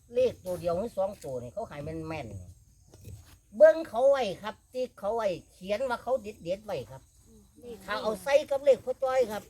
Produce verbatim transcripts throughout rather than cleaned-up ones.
เลขตัวเดียวหรือสองตัวนี่เขาขายแม่นแม่นเบิ้งเขาไว้ครับที่เขาไว้เขียนว่าเขาเด็ดเด็ดไว้ครับถ้าเอาใส่กับเลขพ่อจ้อยครับ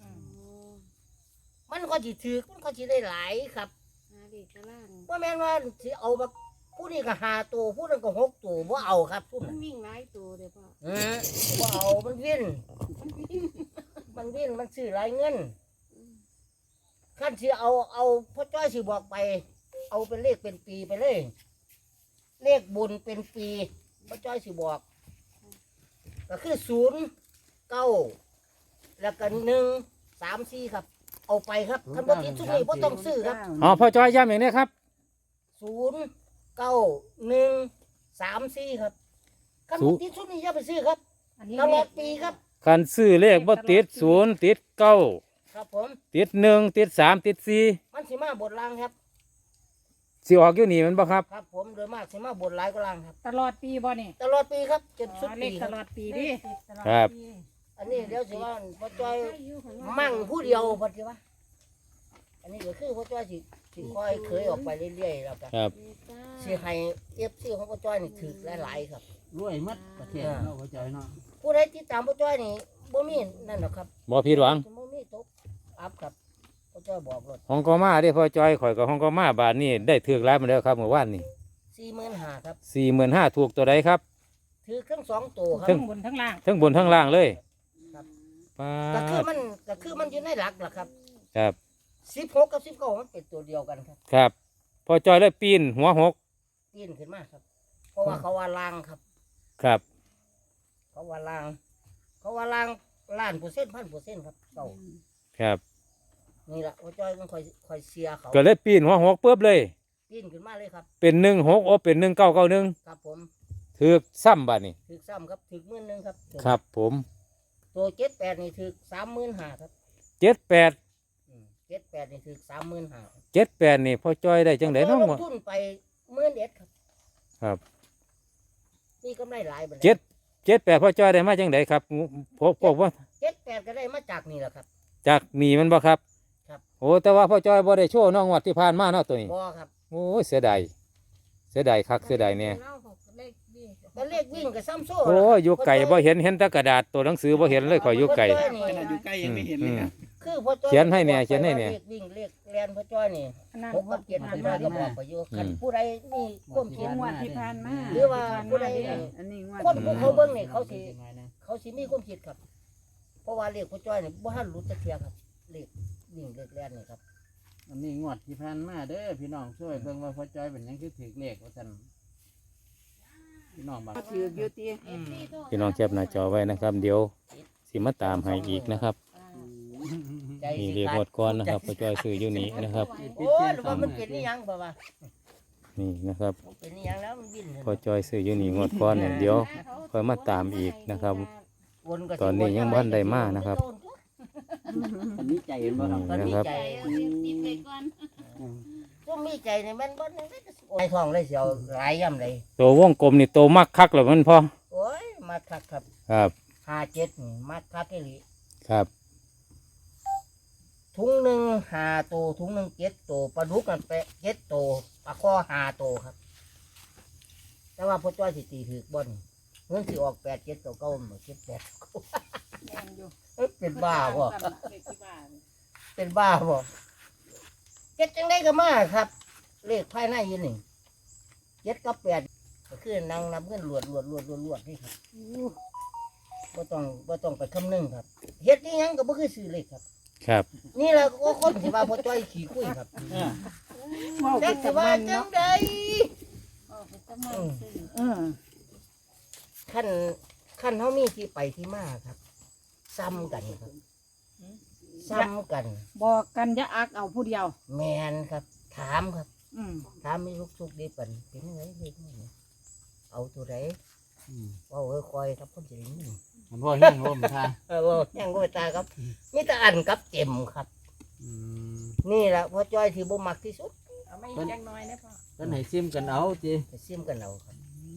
มันก็จีถือมันก็จีได้หลายครับว่าแม่นว่าสิเอามาผู้นี้ก็หาตัวผู้นั้นก็หกตัวว่าเอาครับผู้มันั้น นวิ่งหลายตัวเลยพ่อเออว่าเอามันวิ่นมันวิ่นมันซื้อหลายเงินขั้นสิเอาเอาพ่อจ้อยสิบอกไป เอาเป็นเลขเป็นปีไปเลย เลขบุญเป็นปีพ่อจ้อยสิบอกก็คือศูนย์เก้าแล้วก็หนึ่งสามสี่ครับ เอาไปครับคันบ่ติดชุดนี้บ่ต้องซื้อครับอ๋อพ่อจ้อยย้ำอย่างนี้ครับศูนย์เก้าหนึ่งสามสี่ครับคันบ่ติดชุดนี้อย่าไปซื้อครับอันนี้ตลอดปีครับคันซื้อเลขบ่ติดศูนย์ติดเก้าครับผมติดหนึ่งติดสามติดสี่มันสิมาบทลางครับสิออกอยู่นี่มันบ่ครับครับผมโดยมากสิมาบทหลายก็ลางครับตลอดปีบ่นี่ตลอดปีครับจนสุดเลปีขคตรับลอดปีดิครับอันนี้เดี๋ยวสิว่าพ่อจ้อยมั่งผู้เดียวพอดีวะอันนี้ก็คือพ่อจ้อยสิสิค่อยเคยออกไปเรื่อยๆแล้วกันครับสิให้เอฟซีของพ่อจ้อยนี่ถือหลายๆครับรวยมัดประเทศเนาะพ่อจ้อยเนาะผู้ใดที่ตามพ่อจ้อยนี่บ่มีนั่นหรอกครับบ่ผิดหวังบ่มีตกอัพครับพ่อจ้อยบอกรถห้องก็มาเด้พ่อจ้อยข่อยกับห้องก็มาบาทนี่ได้ถือร้ายมาแล้วครับเมื่อวานนี่สี่หมื่นห้าครับสี่หมื่นห้าถูกตัวใดครับถือเครื่องสองตัวครัครึ่บงบนทั้งล่างทั้งบนทั้งล่างเลยครับป้าก็คือดมันก็คือมันอยู่ในหลักล่ะครับครับสิบหกกับสิบเก้ามันเป็นตัวเดียวกันครับครับพ่อจ้อยเลยปีนหัวหกปีนขึ้นมาครับ เพราะว่าเขาว่าลางครับครับเขาว่าลาง เขาว่าลางล้านเปอร์เซ็นต์พันเปอร์เซ็นต์ครับเก่าครับนี่แหละว่าจ้อยมันคอยคอยเสียเขาก็เลยปีนหัวหกปุ๊บเลยปีนขึ้นมาเลยครับเป็นหนึ่งหกโอเป็นหนึ่งเก้าเก้าหนึ่งครับผมถือซ้ำบาทนี่ถึกซ้ำครับถึกหมื่นหนึงครับครับผมตัวเจ็ดแปดนี่ถึกสามหมื่นห้าครับเจ็ดแปดเจ็ดแปดนี่ถึกสามหมื่นห้าเจ็ดแปดนี่พ่อจ้อยได้จังไดน้องลวะงทุนไปหมื่นเอ็ดครับครับนี่กำไรหลายไปเจ็ดเจ็ดแปดพ่อจ้อยได้มาจังไดครับพวกพวกว่าเจ็ดแปดก็ได้มาจากนี่แหละครับจากหนีมันบ่ครับครับโอ้แต่ว่าพ่อจ้อยบ่ได้โชว์น้องวัดที่ผ่านมาเนาะตัวนี้บ่ครับโอ้ยเสียดายเสียดายคักเสียดายเนี่ยก็เลขวิ่งกับซ้ำโซ่โอ้ยอยู่ไก่บ่เห็นเห็นแต่กระดาษตัวหนังสือบ่เห็นเลยข่อยอยู่ไก่ขนาดอยู่ใกล้ยังไม่เห็นเลยครับคือพ่อจ้อยเขียนให้เนี่ยเขียนให้เนี่ยเลขวิ่งเลขเรียนพ่อจ้อยนี่นั่งหกกับเจ็ดพ่อจ้อยก็บอกไปอยู่คันผู้ใดมีความคิดงวดที่ผ่านมาหรือว่าผู้ใดอันนี้งวดคนผู้เขาเบิ่งนี่เขาสิเขาสิมีความคิดครับ เพราะว่าเลขพ่อจ้อยนี่บ่ทันรู้จักเที่ยครับเลขวิ่งเลขแล่นนี่ครับอันนี้งวดที่ผ่านมาเด้อพี่น้องช่วยเบิ่งว่าพ่อจ้อยเป็นหยังคือถือเลขว่าซั่นพี่น้องบางถืออยู่ตีพี่น้องแคปหน้าจอไว้นะครับ เดี๋ยวสิมาตามให้อีกนะครับใจนี่สิเรียกขาหมดดก่อนนะครับพ่อจ้อยซื้ออยู่นี่นะครับโอ้ยหรือว่ามันเป็นนี่ยังบ่ว่านี่นะครับมันเป็นนี่ยังแล้วมันบินพ่อจ้อยซื้ออยู่นี่งวดก่อนเนี่ยเดี๋ยวค่อยมาตามอีกนะครับวนก็สิตอนนี้ยังบ่ทันได้มานะครับอันนี้ใจเห็นบ่ครับตอนนี้นะครับใจก็มีใจในมันบ่ได้ไอ้ทองเลยเสียวหลายย่ำเลยตัววงกลมนี่โตมากคักแล้วมันพอโอ้ยมาคักครับครับห้าเจ็ดนี่มาคักอีหลีครับถุงหนึ่งห้าตัวถุงหนึ่งเจ็ดตัวปลาดุกกันไปเจ็ดตัวปลาข้อห้าตัวครับ แต่ว่าพ่อจ้อยสิตีถือบนเงินสิออกแปดเจ็ดตัวเก้าหมดเจ็ดแปดเอ้ยเป็นบ้าบ่เป็นบ้าบ่เจ็ดจังได้ก็มาครับ เลขภายในอยืนหนึ่งเจ็ดกับแปดก็คือนางนับเงินหลวดหลวดหลวดหลวดหลวดนี่ครับบ่ต้องบ่ต้องไปคำนึงครับเฮ็ดนี่ยังก็บ่คือซื้อเลขครับครับนี่แหละก็คนที่ว่าพ่อจ้อยขี่คุยครับเออจังสิว่าจังใดเออขั้นขั้นเฮามีที่ไปที่มาครับ ซ้ำกันครับ ซ้ำกันบอกกันจะอักเอาผู้เดียวแมนครับ ถามครับอืมถามมีลูกสุกดีปันเป็นไงเด็กนี่เอาตัวไหนอืมว่าเออคอยครับคนจะได้ยินมันพ่อแห้งลมท่าเออว่ายังก็ตาครับมีแต่อันกับเจ็มครับอืมนี่แหละพ่อจ้อยที่บ่มักที่สุดเอาไม่จังน้อยนะพ่อเพิ่นให้ซิมกันเอาติไปซิมกันเอาครับ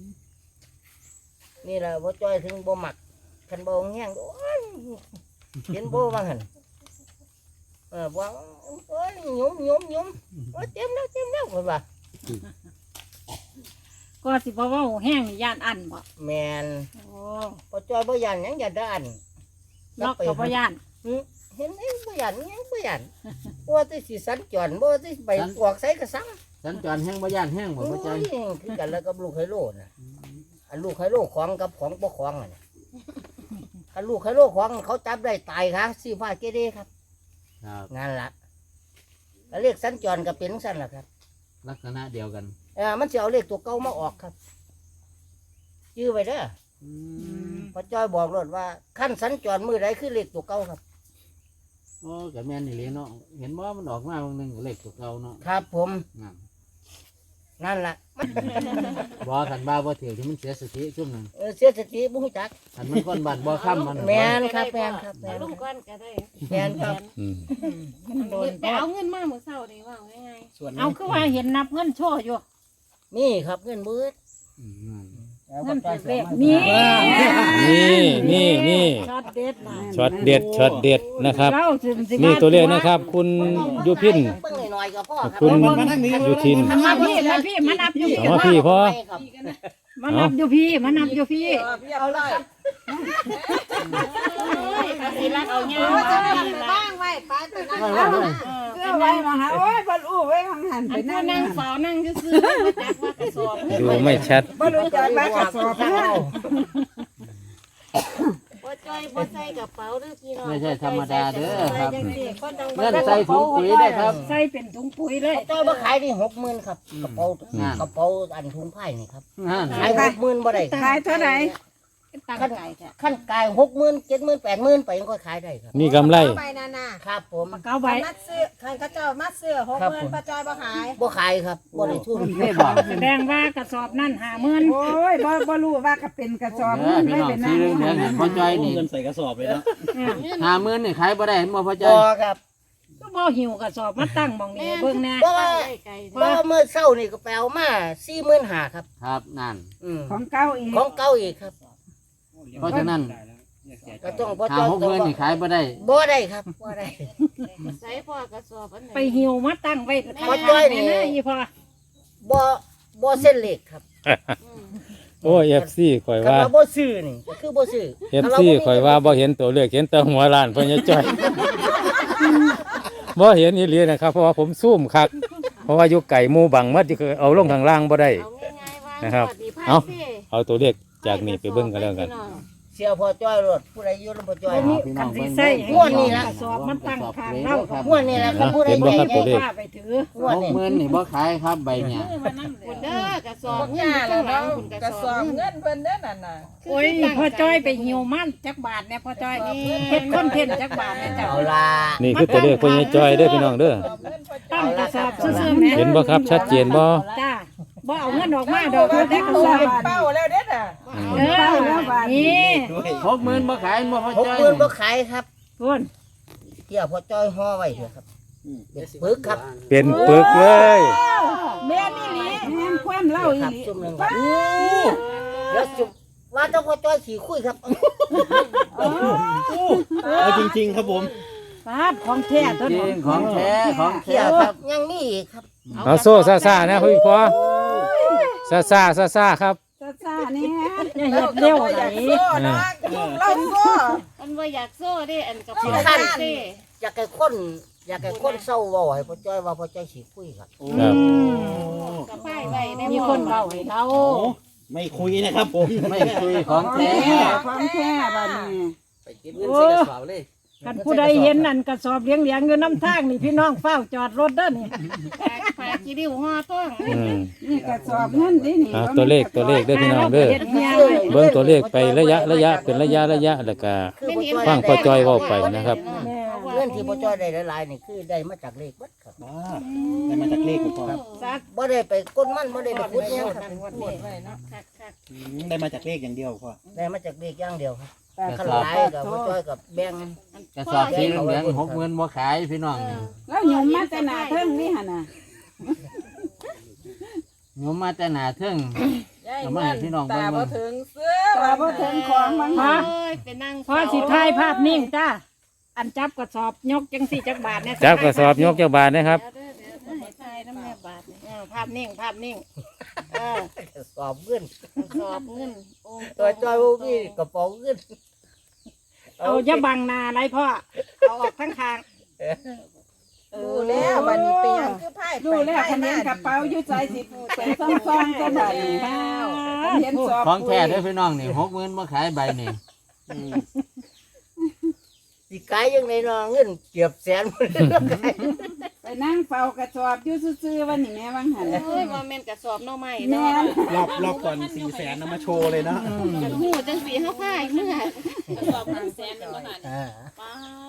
นี่แหละพ่อจ้อยถึงบ่มักคันบ่แห้งโอ้ยเห็นบ่ว่าหั่นเออว่าโอ้ยหยุ่มหยุ่มหยุ่มโอ้ยเต็มแล้วเต็มแล้วเพิ่นว่าก็สิบ่เว้าแห้งนี่ย่านอันบ่แมนโอ้พอจอยบ่ยันหยังอย่าด้านล็อกกับบ่ย่านหึเห็นเองบ่ยันหยังบ่ยันบ่ที่สิสัญจรบ่ที่ไปออกไสก็สั่งสัญจรแห้งบ่ย่านแห้งบ่โอ้พ่อจ้อยยคือกันแล้วกับลูกไฮโลน่ะอันลูกไฮโลของกับของบ่ของอ่ะเนี่ยอันลูกไฮโลของเขาจับได้ตายค่ะสีฟ้าเกเรครับครับนั่นล่ะก็เรียกสัญจรก็เป็นสั่นล่ะครับลักษณะเดียวกันเออมันสิเอาเลขตัวเก่ามาออกครับยื้อไว้เด้ออือืมมพอจ้อยบอกรถว่าขั้นสัญจรมือใดคือเลขตัวเก่าครับโอ้ก็แม่นนี่เลยเนาะเห็นบ่มันออกมาบางหนึงก็เลขตัวเก่าเนาะครับผมนั่นนั่นล่ะบ่คันบ้าบ่ถือที่มันเสียสติซุ่มหนึงเออเสียสติบุ้งจักคันมันคนบ้านบ่ค้ำมันแมนครับแมนครับแมนลุงก้อนก็ได้แมนครับอืมมันโดนไปเอาเงินมาเมื่อเช้านี่ว่าง่ายส่วนเอาคือว่าเห็นนับเงินโชว์อยู่นี่ครับเงินมืดอืมนั่นเงินเป็นเลขนี่นี่นี่นี่ช็อตเด็ดนะช็อตเด็ดช็อตเด็ดนะครับเราสิสินี่ตัวเลขนะครับ คุณยุพินเพิ่งหน่อยๆก็พ่อครับคุณยุทินมันมาพี่มาพี่มานับอยู่พี่เอามาพี่พอครับมานับอยู่พี่มานับอยู่พี่เอาละครับๆสิรักเอาเงี้ยโอ้ยจะทำบ้างไว้ไปไปนั่งไว้ไว้ไว้เพื่อไว้มาหาโอ้ยบรรลุไว้ข้างหันอัไปนนั่ผู้งนั่งเฝ้านั่งซื่อๆบ่จักว่ากระสอบดูไม่ชัดบรรลุจอดไว้กระสอบเอาเพื่อบ่จ้อยบ่ใส่กระเป๋าเด้อพี่น้องไม่ใช่ธรรมดาเด้อครับจังสิคนดังเงินใส่ถุงปุ๋ยได้ครับใส่เป็นถุงปุ๋ยเลยจ้อยมาขายนี่หกหมื่นครับกระเป๋าอืมกระเป๋าอันถุงไผ่นี่ครับนั่นขายหกหมื่นบ่ได้ขายเท่าไหร่ตั้งใจแท้ขั้นกายหกหมื่นเจ็ดหมื่นแปดหมื่นไปยังก็ขายได้ครับมีกำไรไปนานาครับผมเก้าใบมัดซื้อคันเขาเจ้ามัดซื้อหกหมื่นป้าจอยบ่ขายบ่ขายครับบ่ได้ทุนนี่บอกแสดงว่ากระสอบนั่นห้าหมื่นโอ้ยบ่บ่รู้ว่าก็เป็นกระสอบเอเงิอน พี่ไว้น้องเป็นสีนั่งเหลืองๆนี่พ่อจ้อยนี่เงินใส่กระสอบเลยเนาะห้าหมื่นนี่ขายบ่ได้บ่พ่อจ้บ่อยครับก็บ่หิวกระสอบมาตั้งหมองนี้เบิ่งแน่เพราะว่าไกลเพราะว่าเมื่อเช้านี่ก็แปลมาสี่หมื่นห้าครับครับนั่นอืมของเก่าอีกของเก่าอีกครับเพราะฉะนั้นก็ต้องบ่ห้าจ้อยหกหมื่นนี่ขายบ่ได้บ่ได้ครับบ่ได้ๆใส่พ่อกระสอบอันไหนไปหิวมาตั้งไว้พอจ้อยนี่แน่อีพอบ่บ่เส้นเหล็กครับอืมโอ้เอฟซีข่อยถ้าว่าเราบ่ซื้อนี่ก็คือบ่ซื้อเอฟซีข่อยว่าบ่เห็นตัวเลขเห็นแต่หัวล้านเพิ่นจะจ้อย บ่เห็นอีหลีนะครับ เพราะว่าผมซูมคักเพราะว่าอยู่ไก่หมู่บังมัดที่เอาลงข้างล่างบ่ได้เอาง่ายๆว่านะครับสวัสดีภาพเอาสิเอาตัวเลขจากนี้ไปเบิ่งกันแล้วกันเสียพอจ้อยรถผู้ใดอยู่นำพอจ้อยนี่พี่น้คัอน งสิเบิ่งใส่งวดนี้ล่ะกระสอบมันตั้งข้างเราครับงวดนี้ล่ะครับผู้ใดเห็นบ่ใหญ่ครับตัวเลขว่าไปถืองวดหกนี้หมื่นนี่บ่ขายครับใบเนี่ยคุณเด้อกระสอบเงินอยู่ข้างหลังคุณกระสอบเงินเพิ่นเด้อนั่นน่ะโอ้ยพ่อจ้อยไปหิวมันจักบาทเนี่ยพ่อจ้อยเฮ็ดคอนเทนต์จักบาทเนี่ยจ้ะเอาล่ะนี่คือตัวเลขเพิ่นจะจ้อยเด้อพี่น้องเด้อตั้งกระสอบซื่อๆแม่เห็นบ่ครับชัดเจนบ่จ้าบ่เอาเงินออกมาดอกแต่กระสอบเป้าแล้วเด้อน่ะอืมเออนี่หกหมื่นบ่ขายบ่พ่อหกจ้อยหมื่นบ่ขายครับพุ่นเที่ยวพอจ้อยห่อไว้เถอะครับเป็นปึกครับเป็นปึกเลยแม่นี่หลีแม่นความเล่าอีครับหลีจุ่มหนึงครับเดี๋ยวจุ่มว่าต้องพอจ้อยขี่คุยครับเอาจริงๆครับผมปาดของแท้ตัวจรินี้งของแท้ของเที่แท้ยวครับยังมีอีกครับเอาโซ่ซ่าๆนะพี่พอซ่าๆซ่าๆครับซ่าๆนี่อย่าเฮ็ดเร็วไหลเนาะเราโซ่มันว่าอยากโซ่เด้อันกระเป๋าขั้นเด้อยากให้คนอยากให้คนเศร้าเว้าให้พอจ้อยว่าพอจ้อยขี่คุยครับครับกระป้ายไว้ได้มีคนเบาให้เราโอ้ไม่คุยนะครับผมไม่คุยของแท้ความแท้บัดนี้ไปเก็บเงินใส่กระเป๋าเลยกันผู้ใดเห็นนั่นกระสอบเลี้ยงเลี้ยงอยู่น้ำทางนี่พี่น้องเฝ้าจอดรถเด้อนี่ฝากฝากกี่ดิ้วห่อต้องอืมนี่กระสอบเงินดินี่เอาตัวเลขตัวเลขเด้อพี่น้องเด้อเฮ็ดเมียเบิ่งตัวเลขไประยะระยะเป็นระยะระยะแล้วก็คือพอจ้อยฟังพอจ้อยเว้าไปนะครับแม่เงินที่พอจ้อยได้หลายๆนี่คือได้มาจากเลขเบัดครับว้าได้มาจากเลขผมพ่อซักบ่ได้ไปก้นมันบ่ได้ไปขุดหยังครับคักคักอืมได้มาจากเลขอย่างเดียวพ่อได้มาจากเลขอย่างเดียวครับกระขันสอบหลายกับพอจ้อยกับแบ่งกระสอบสีเหลืองๆหกหมื่นบ่ขายพี่น้องนี่แล้วหยุ่มมาแต่หน้าเทิงนี่หั่นน่ะโยมมาแต่หนาเทิงเอามาให้พี่น้องเบิ่งเบิ่งตาบ่ถึงของบางพอเอ้ยเป็นนั่งพอสิถ่ายภาพนิ่งจ้าอันจับกระสอบยกจังสี่จักบาทเนี่ยจับกระสอบยกเจ้าบาทนะครับเดี๋ยวเด้อเดี๋ยวเด้อให้ถ่ายน้ำแม่บาทนี่เออพภาพนิ่งภาพนิ่งเออสอบเงินสอบเงินโอ้ตัวจอยบ่มีกระเป๋าเงินเอาอย่าบังหน้าไรพ่อเอาออกทั้งทางดูแล้ววันนี้เป็นหยังคือไพ่ดูแล้วคะแนนกระเป๋าอยู่ใจสิไปซ่องๆก็ได้เห็นสอบของแท้เด้อพี่น้องนี่หกหมื่นมาขายใบนี่อืมสิขายยังไงเนาะเงินเกือบแสนไปนั่งเฝ้ากระสอบอยู่ซื่อๆวันนี้แม่วังหันเอ้ยว่าแม่นกระสอบหน่อไม้แม่เนาะนรอบรอบก่อนสี่แสนนำมาโชว์เลยนะกันหูจังสีเฮาพายเมื่ออ่าป้า